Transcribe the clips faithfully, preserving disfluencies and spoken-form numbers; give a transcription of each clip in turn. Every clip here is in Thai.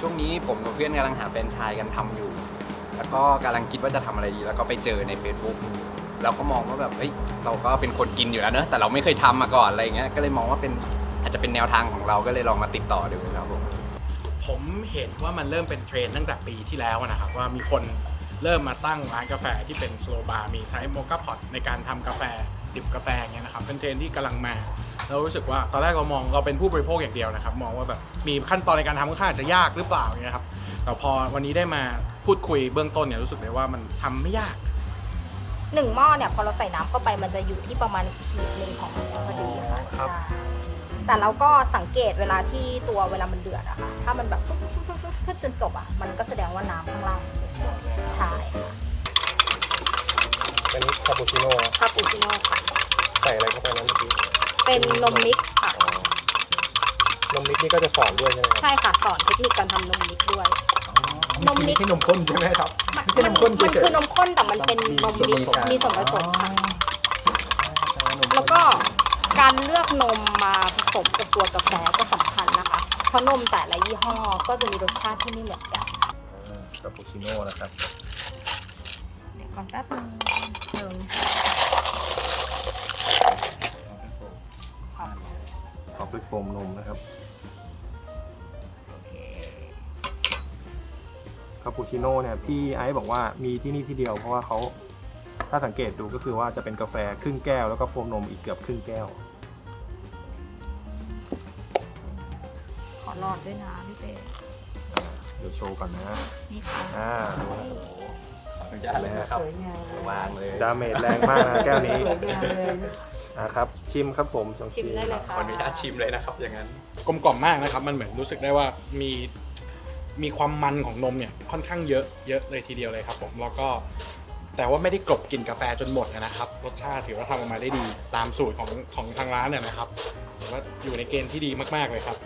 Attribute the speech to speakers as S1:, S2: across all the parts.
S1: ช่วงนี้ผมกับเพื่อนกำลังหาแฟรนไชส์กันทำอยู่แล้วก็กำลังคิดว่าจะทำอะไรดีแล้วก็ไปเจอใน Facebook เราก็มองว่าแบบเฮ้ยเราก็เป็นคนกินอยู่แล้วเนอะแต่เราไม่เคยทำมาก่อนอะไรเงี้ยก็เลยมองว่าเป็นอาจจะเป็นแนวทางของเราก็เลยลองมาติดต่อดูครับผม
S2: ผมเห็นว่ามันเริ่มเป็นเทรนด์ตั้งแต่ปีที่แล้วนะครับว่ามีคนเริ่มมาตั้งร้านกาแฟที่เป็นสโลบาร์มีใช้โมคาพอตในการทำกาแฟดิบกาแฟเงี้ยนะครับเป็นเทรนด์ที่กำลังมาเรารู้สึกว่าตอนแรกเรามองเราเป็นผู้บริโภคอย่างเดียวนะครับมองว่าแบบมีขั้นตอนในการทำค่อนข้างจะยากหรือเปล่าเงี้ยครับแต่พอวันนี้ได้มาพูดคุยเบื้องต้นเนี่ยรู้สึกเลยว่ามันทำไม่ยาก
S3: หนึ่งหม้อเนี่ยพอเราใส่น้ำเข้าไปมันจะอยู่ที่ประมาณขีดหนึ่งของมันพอดีค่ะ
S2: ครับ
S3: แต่เราก็สังเกตเวลาที่ตัวเวลามันเดือดอะค่ะถ้ามันแบบถ้าจนจบอะมันก็แสดงว่าน้ำข้างล่างใช่ค่ะ
S4: อันนี้คาปูชิโน่
S3: คาปูชิโน่ค่ะ
S4: ใส่อะไรเข้าไปนั้นเมื่อกี้
S3: เป็นนมมิกซ์ค่ะ
S4: นมมิกซ์นี่ก็จะสอนด้วยใช่ไหมครับ
S3: ใช่ค่ะสอนเทคนิคการทำนมมิกซ์ด้วย
S4: นมมิกซ์ไม่ใช่นมข้นใช่ไหมครับไม่ใช่นมข้นเฉยๆ
S3: มันคือนมข้นแต่มันเป็นนมมิกซ์มีส่วนผสมค่ะแล้วก็การเลือกนมมาผสมกับตัวกาแฟก็สำคัญนะคะเพราะนมแต่ละยี่ห้อก็จะมีรสชาติที่ไม่เหมือนกัน
S4: คาปูชิโน่นะครับ
S3: เดี๋ยวก่อนแป๊บนึงหนึ่ง
S4: ขอบด้วยโฟมนมนะครับคาปูชิโน่เนี่ยพี่ไอซ์บอกว่ามีที่นี่ที่เดียวเพราะว่าเขาถ้าสังเกตดูก็คือว่าจะเป็นกาแฟครึ่งแก้วแล้วก็โฟมนมอีกเกือบครึ่งแก้ว
S3: ขอหลอดด้วยนะพี่เป้
S4: เดี๋ยวโชว์ก่อนนะ
S3: นี่ค่ะ
S4: อ่า
S1: ขออนุญาตเลยนะครับวางเลย
S4: ดาเมจแรงมากนะแก้วนี้อ่าครับชิมครับผม
S3: ชิมได้เลยค่ะ
S1: ขออนุญาตชิมเลยนะครับอย่างนั้น
S2: กลมกล่อมมากนะครับมันเหมือนรู้สึกได้ว่ามีมีความมันของนมเนี่ยค่อนข้างเยอะเยอะเลยทีเดียวเลยครับผมแล้วก็แต่ว่าไม่ได้กลบกลิ่นกาแฟจนหมดนะครับรสชาติถือว่าทำออกมาได้ดีตามสูตรของของทางร้านเนี่ยนะครับถือว่าอยู่ในเกณฑ์ที่ดีมากๆเลยครับ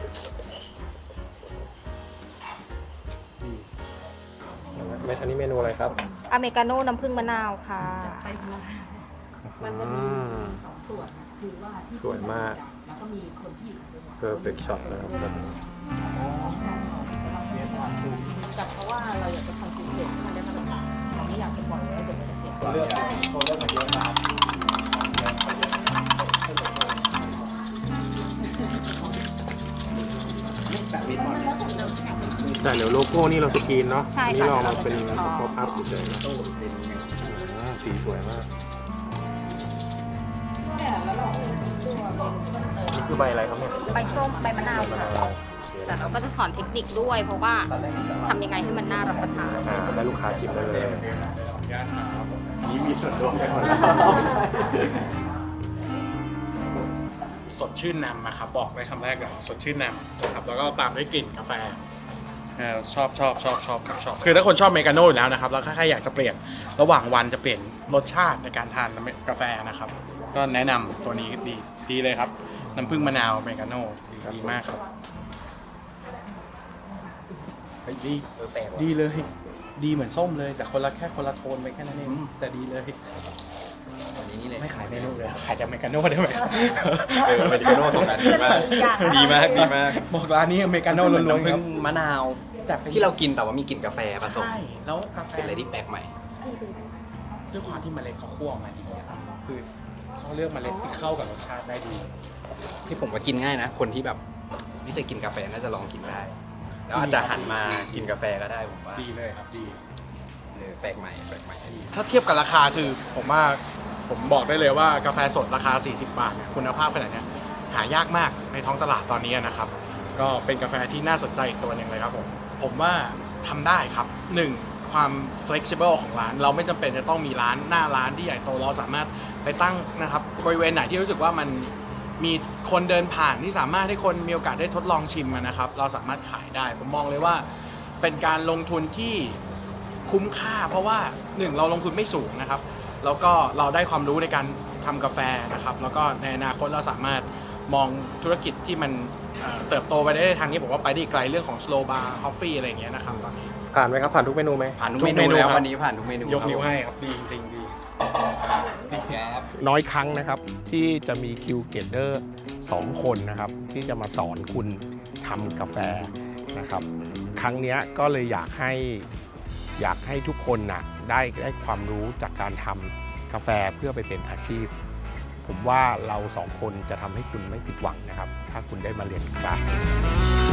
S4: อันนี้เมนูอะไรครับ
S3: อเมริกาโน่น้ำผึ้งมะนาวค่ะ
S4: มันจะมีสองส่วนคือว่าสวยมากแล้วก็มีคนที่ perfect shot นะครับ
S5: แต่เพราะว่าเราอยากจะทำสิ่งเด็ดที่มันได้มาตรฐานเราไม่อยากจะปล่อยให้เด็กมันเสีย
S4: คนเลือกคนเลือกมาเยอะมากแต่เดี๋ยวโลโก้นี่เราสกรีนเนาะนี่เรามาเป็นป๊อปอัพเฉยๆสีสวยมากนี่คือใบอะไรครับเนี่ย
S3: ใบส้มใบมะนาวค่ะแต่เราก็จะสอนเทคนิคด้วยเพราะว่าทำยังไงให้มันน่ารับประทาน
S4: ได้ลูกค้าชิมได้เลย
S1: นี่มีส่วนร่วมกันหมด
S2: สดชื่นนำนะครับบอกในคำแรกเลยสดชื่นนำนะครับแล้วก็ตามด้วยกลิ่นกาแฟชอบชอบชอบชอบครับชอบคือถ้าคนชอบอเมริกาโน่อยู่แล้วนะครับแล้วถ้าใครอยากจะเปลี่ยนระหว่างวันจะเปลี่ยนรสชาติในการทานกาแฟนะครับก็แนะนำตัวนี้ดีดีเลยครับน้ำผึ้งมะนาวอเมริกาโน่ดีมากครับดีดีเลยดีเหมือนส้มเลยแต่คนละแค่คนละโทนไปแค่นั้นเองแต่ดีเลย
S1: วันนี้นี่เลย
S2: ไม่ขายเมนูเลยขายแต่อเมริกาโน่ได้ไหม
S1: เอออเมริกาโน่สองอันดีมากดีมากดีมาก
S2: บอกร้านนี้อเมริกาโน่ล้วนๆครับ
S1: มะนาวแต่ที่เรากินแต่ว่ามีกลิ่นกาแฟผสม
S2: ใช่แล้วกาแฟ
S1: เป็นอะไรที่แปลกใหม่
S2: ด้วยความที่เมล็ดเขาคั่วมาดีครับคือเขาเลือกเมล็ดที่เข้ากับรสชาติได้ดี
S1: ที่ผมว่ากินง่ายนะคนที่แบบไม่เคยกินกาแฟน่าจะลองกินได้แล้วอาจจะหันมากินกาแฟก็ได้ผมว่า
S2: ดีเลยครับดี
S1: แปลกใหม่แปลกใหม่
S2: ถ้าเทียบกับราคาคือผมว่าผมบอกได้เลยว่ากาแฟสดราคาสี่สิบบาทเนี่ยคุณภาพขนาดนี้หายากมากในท้องตลาดตอนนี้นะครับก็เป็นกาแฟที่น่าสนใจอีกตัวหนึ่งเลยครับผมผมว่าทำได้ครับหนึ่งความ flexible ของร้านเราไม่จำเป็นจะต้องมีร้านหน้าร้านที่ใหญ่โตเราสามารถไปตั้งนะครับบริเวณไหนที่รู้สึกว่ามันมีคนเดินผ่านที่สามารถให้คนมีโอกาสได้ทดลองชิมนะครับเราสามารถขายได้ผมมองเลยว่าเป็นการลงทุนที่คุ้มค่าเพราะว่าหนึ่งเราลงทุนไม่สูงนะครับแล้วก็เราได้ความรู้ในการทำกาแฟนะครับแล้วก็ในอนาคตเราสามารถมองธุรกิจที่มันเติบโตไปได้ทางนี้ผมว่าไปได้ไกลเรื่องของ slow bar coffee อะไรอย่างเงี้ยนะครับตอนนี้
S4: ผ่านไหมครับผ่านทุกเมนูไหม
S1: ผ่านทุกเมนูแล้ววันนี้ผ่านทุกเมนู
S2: ยกนิ้วให้ครับดีจริงดี
S4: น้อยครั้งนะครับที่จะมีคิวเกตเดอร์สองคนนะครับที่จะมาสอนคุณทำกาแฟนะครับ
S6: ครั้งเนี้ยก็เลยอยากให้อยากให้ทุกคนน่ะได้ได้ความรู้จากการทำกาแฟเพื่อไปเป็นอาชีพ ผมว่าเราสองคนจะทำให้คุณไม่ผิดหวังนะครับ ถ้าคุณได้มาเรียนคลาสนี้